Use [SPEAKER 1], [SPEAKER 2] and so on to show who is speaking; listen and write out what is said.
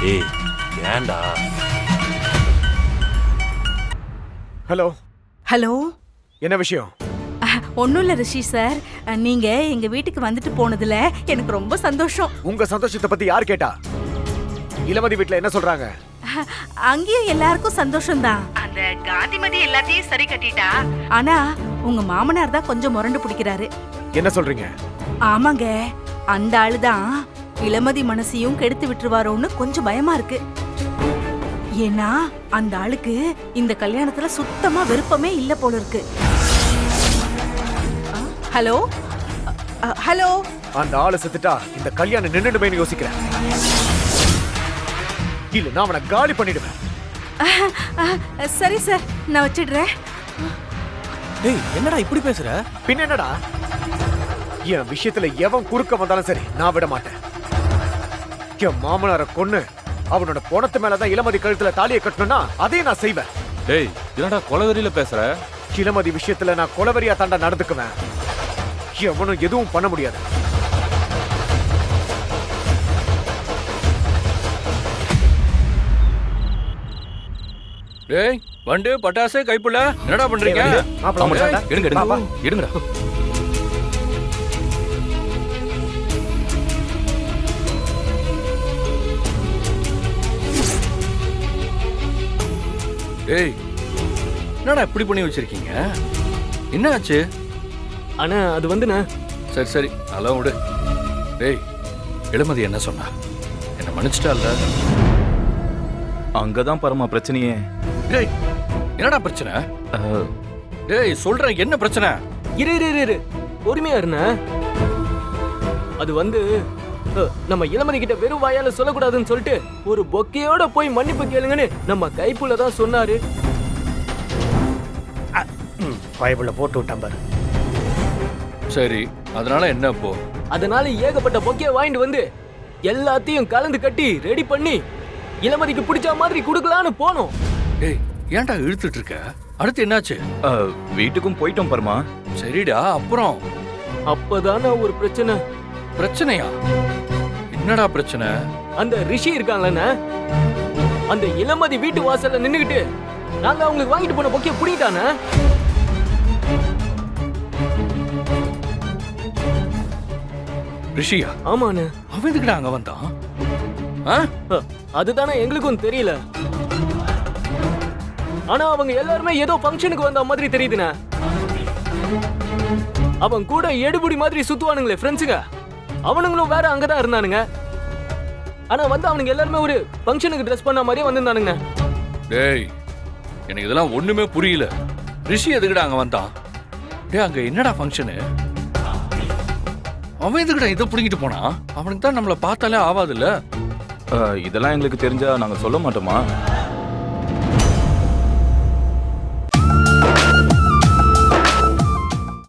[SPEAKER 1] ஏய் ஏன்டா?
[SPEAKER 2] Hello
[SPEAKER 3] hello.
[SPEAKER 2] என்ன விஷயம்?
[SPEAKER 3] ஒன்றும் இல்லை ரிஷி சார், நீங்க எங்க வீட்டுக்கு வந்துட்டு போனதுல எனக்கு ரொம்ப சந்தோஷம்.
[SPEAKER 2] உங்க சந்தோஷத்தை பத்தி யார் கேட்டா? இளமதி வீட்ல என்ன சொல்றாங்க?
[SPEAKER 3] அங்கேயும் எல்லாருக்கும் சந்தோஷம்தான். அந்த காந்திமதி எல்லாத்தையும் சரி கட்டிட்டா. ஆனா உங்க மாமனார் தான் கொஞ்சம் முரண்டு பிடிக்கிறாரு.
[SPEAKER 2] என்ன சொல்றீங்க?
[SPEAKER 3] ஆமாங்க, அந்த ஆளுதான் இளமதி மனசையும் கெடுத்து விட்டுருவாரோன்னு கொஞ்சம் பயமா இருக்கு. ஏன்னா அந்த ஆளுக்கு இந்த கல்யாணத்துல சுத்தமா விருப்பமே இல்ல போல இருக்கு. Hello hello.
[SPEAKER 2] அந்த ஆளு செத்துட்டா இந்த கல்யாணம் நின்னுடுமேன்னு யோசிக்கிறேன். இல்ல நான் அவனை காலி பண்ணிடுவேன்.
[SPEAKER 3] சரி சார், நான் வச்சிடுறேன்.
[SPEAKER 4] டேய் என்னடா இப்படி பேசுற?
[SPEAKER 2] பின்ன என்னடா, என் விஷயத்துல எவன் குறுக்க வந்தாலும் சரி நான் விட மாட்டேன். என் மாமனாரை கொன்னு அவனோட பொணத்து மேலதான் இளமதி கழுத்துல தாலியை கட்டணும்னா அதையும் நான் செய்வேன்.
[SPEAKER 1] டேய் என்னடா கொலவெறியில பேசுற?
[SPEAKER 2] இளமதி விஷயத்துல நான் கொலவெறியா தாண்டா நடந்துக்குவேன். எவனும் எதுவும் பண்ண முடியாது.
[SPEAKER 5] டேய் வண்டு பட்டாசு கைப்புள்ள என்னடா பண்றீங்க?
[SPEAKER 1] எடுங்க எடுங்க எடுங்கடா.
[SPEAKER 5] டேய் என்னடா இப்படி பண்ணி வச்சிருக்கீங்க? என்ன ஆச்சு?
[SPEAKER 4] அண்ணா அது வந்துண்ணா.
[SPEAKER 5] சரி சரி அதெல்லாம் விடு. டேய் இளமதி என்ன சொன்னா? என்ன மன்னிச்சிட்டால?
[SPEAKER 6] அங்கதான் பரமா பிரச்சனையே.
[SPEAKER 5] டேய் என்னடா பிரச்சனை? டேய் சொல்றேன் என்ன பிரச்சனை?
[SPEAKER 4] இரு இரு இரு இரு பொறுமையா இருண்ணா. அது வந்து நம்ம இளமதி கிட்ட வெறும் வாயால சொல்லக்கூடாதுன்னு சொல்லிட்டு ஒரு பொக்கையோட போய் மன்னிப்பு கேளுங்கன்னு நம்ம கைப்புள்ள தான் சொன்னாரு.
[SPEAKER 2] பைபிள்ல போட்டு விட்டான் பாரு.
[SPEAKER 5] சரி அதனால என்ன இப்போ?
[SPEAKER 4] அதனால ஏகப்பட்ட பொக்கைய வாங்கிட்டு வந்து எல்லாத்தையும் கலந்து கட்டி ரெடி பண்ணி இளமதிக்கு பிடிச்ச மாதிரி குடுக்கலான்னு போனோம்.
[SPEAKER 5] டேய் ஏன்டா இழுத்துட்டு இருக்க? அடுத்து என்னாச்சு?
[SPEAKER 6] வீட்டுக்கும் போயிட்டோம் பரமா.
[SPEAKER 5] சரிடா அப்புறம்?
[SPEAKER 4] அப்பதானே ஒரு பிரச்சனை.
[SPEAKER 5] பிரச்சனையா? என்னடா பிரச்சனை?
[SPEAKER 4] அந்த ரிஷி இருக்காங்கண்ணா, அந்த இளமதி வீட்டு வாசல்ல நின்னுகிட்டு நாங்க அவங்களுக்கு வாங்கிட்டு போன பொக்கைய புடிட்டானே.
[SPEAKER 5] ரிஷியா?
[SPEAKER 4] ஆமாண்ணே.
[SPEAKER 5] அவன் எதுக்குடா அங்க வந்தான்?
[SPEAKER 4] அதுதானே எங்களுக்கும் தெரியல. ஆனா அவங்க எல்லாருமே ஏதோ ஃபங்க்ஷனுக்கு வந்த மாதிரி தெரியுதுண்ணே. அவன் கூட எடுபுடி மாதிரி சுத்துவானுங்களே ஃப்ரெண்ட்ஸுங்க, அவனுங்களும் வேற அங்கதான் இருந்தானுங்க. ஆனா வந்து அவனுங்க எல்லாருமே ஒரு ஃபங்க்ஷனுக்கு ட்ரெஸ் பண்ண மாதிரியே வந்திருந்தானுங்க.
[SPEAKER 5] டேய் எனக்கு இதெல்லாம் ஒண்ணுமே புரியல. ரிஷி எதுக்குடா அங்க வந்தான்? டேய் அங்க என்னடா ஃபங்க்ஷனு? அவன் எதுக்குடா இதை புடிங்கிட்டு போனா? அவனுக்கு தான் நம்மளை பார்த்தாலே ஆவாதுல்ல.
[SPEAKER 6] இதெல்லாம் எங்களுக்கு தெரிஞ்சா நாங்க சொல்ல மாட்டோமா?